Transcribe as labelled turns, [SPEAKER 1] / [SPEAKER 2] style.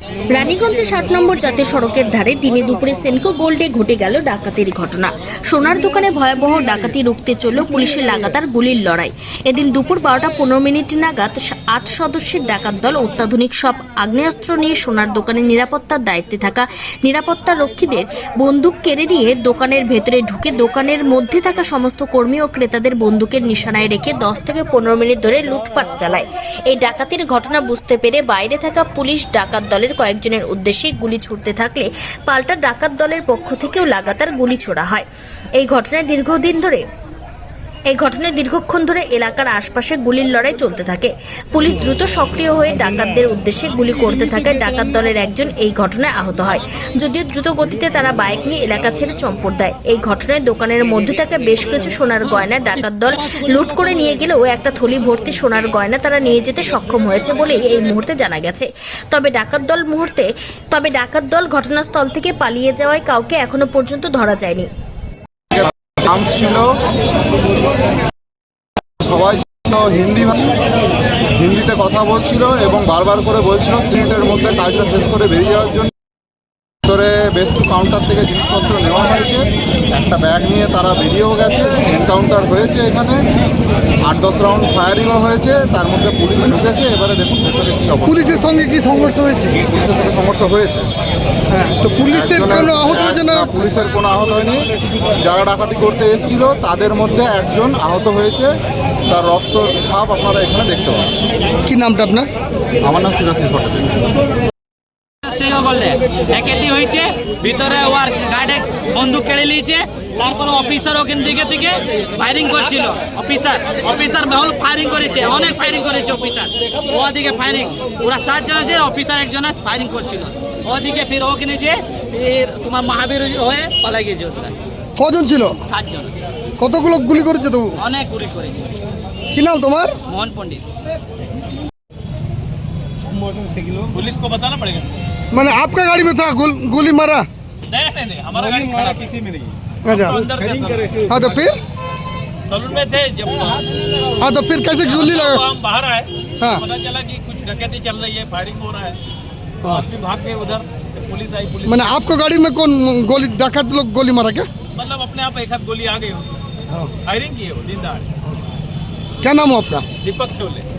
[SPEAKER 1] রানীগঞ্জে 60 নম্বর জাতীয় সড়কের ধারে দিনে দুপুরে সেনকো গোল্ডে ঘটে গেল ডাকাতির ঘটনা। সোনার দোকানে ভয়াবহ ডাকাতি রুখতে চলল পুলিশের লাগাতার গুলির লড়াই। এদিন দুপুর 12:15 নাগাদ 8 সদস্যের ডাকাত দল অত্যাধুনিক সব আগ্নেয়াস্ত্র নিয়ে সোনার দোকানের নিরাপত্তার দায়িত্বে থাকা নিরাপত্তা রক্ষীদের বন্দুক কেড়ে নিয়ে দোকানের ভেতরে ঢুকে দোকানের মধ্যে থাকা সমস্ত কর্মী ও ক্রেতাদের বন্দুকের নিশানায় রেখে 10 থেকে 15 মিনিট ধরে লুটপাট চালায়। এই ডাকাতির ঘটনা বুঝতে পেরে বাইরে থাকা পুলিশ ডাকাত দলের কয়েকজনের উদ্দেশ্যে গুলি ছুড়তে থাকলে পাল্টা ডাকাত দলের পক্ষ থেকেও লাগাতার গুলি ছোড়া হয়। এই ঘটনায় দীর্ঘক্ষণ ধরে এলাকার আশপাশে গুলির লড়াই চলতে থাকে। পুলিশ দ্রুত সক্রিয় হয়ে ডাকাতদের উদ্দেশ্যে গুলি করতে থাকে। ডাকাত দলের একজন এই ঘটনায় আহত হয়, যদিও দ্রুত গতিতে তারা বাইক নিয়ে এলাকা ছেড়ে চম্পট দেয়। এই ঘটনায় দোকানের মধ্যে থাকা বেশ কিছু সোনার গয়না ডাকাত দল লুট করে নিয়ে গেলেও একটা থলি ভর্তি সোনার গয়না তারা নিয়ে যেতে সক্ষম হয়েছে বলেই এই মুহূর্তে জানা গেছে। তবে ডাকাত দল ঘটনাস্থল থেকে পালিয়ে যাওয়ায় কাউকে এখনো পর্যন্ত ধরা যায়নি।
[SPEAKER 2] সবাই হিন্দিতে কথা বলছিল এবং বারবার করে বলছিল 3 মিনিটের মধ্যে কাজটা শেষ করে বেরিয়ে যাওয়ার জন্য। ভিতরে বেশ কিছু কাউন্টার থেকে জিনিসপত্র নেওয়া হয়েছে, একটা ব্যাগ নিয়ে তারা বেরিয়েও গেছে। এনকাউন্টার হয়েছে, এখানে 8-10 রাউন্ড ফায়ারিংও হয়েছে, তার মধ্যে পুলিশ ঢুকেছে। এবারে দেখুন ভেতরে কি অবস্থা।
[SPEAKER 3] পুলিশের সঙ্গে কি সংঘর্ষ হয়েছে?
[SPEAKER 2] পুলিশের সাথে সংঘর্ষ হয়েছে।
[SPEAKER 3] হ্যাঁ, তো পুলিশের কোনো আহত হয়েছে না?
[SPEAKER 2] পুলিশের কোনো আহত হয়নি। যারা ডাকাতি করতে এসেছিল তাদের মধ্যে একজন আহত হয়েছে, তার রক্ত ছাপ আপনারা এখানে দেখতে পাবেন।
[SPEAKER 3] কি নামটা আপনার?
[SPEAKER 2] আমার নাম শিবাশিস ভট্টাচার্য।
[SPEAKER 4] ডাকাতি হয়েছে, ভিতরে ওর গার্ডে বন্দুক কেড়ে নিয়েছে। তারপর অফিসার ওখান থেকে ফায়ারিং করছিল। অফিসার মহল ফায়ারিং করেছে, অনেক ফায়ারিং করেছে অফিসার। ওদিকে ফায়ারিং পুরা 7 জন আছে, অফিসার একজন ফায়ারিং করছিল। ওদিকে ফির ওখানে যে তোমার মহাবীর হয়ে পালাই গেছে।
[SPEAKER 3] কজন ছিল?
[SPEAKER 4] 7 জন।
[SPEAKER 3] কতগুলো গুলি করেছে? তো
[SPEAKER 4] অনেক গুলি করেছে।
[SPEAKER 3] কি নাম তোমার?
[SPEAKER 4] মোহন পণ্ডিত।
[SPEAKER 5] पुलिस को बताना पड़ेगा।
[SPEAKER 3] मैंने आपका गाड़ी में था गोली मारा?
[SPEAKER 5] नहीं, हमारा गाड़ी खड़ा किसी में नहीं।
[SPEAKER 3] अच्छा, हाँ तो फिर?
[SPEAKER 5] सलून में थे जब।
[SPEAKER 3] हाँ तो फिर कैसे गोली लगा?
[SPEAKER 5] हम बाहर आए,
[SPEAKER 3] हाँ।
[SPEAKER 5] पता चला कि कुछ डकैती चल रही है, फायरिंग हो रहा है। आदमी भाग गए उधर, पुलिस आई। पुलिस
[SPEAKER 3] मैंने आपको गाड़ी में कौन गोली डाकत लोग गोली मारा क्या?
[SPEAKER 5] मतलब अपने आप एक हाथ गोली आ गई हो, फायरिंग की है वो दिन दहाड़े।
[SPEAKER 3] क्या नाम हो आपका?
[SPEAKER 5] दीपक थे बोले।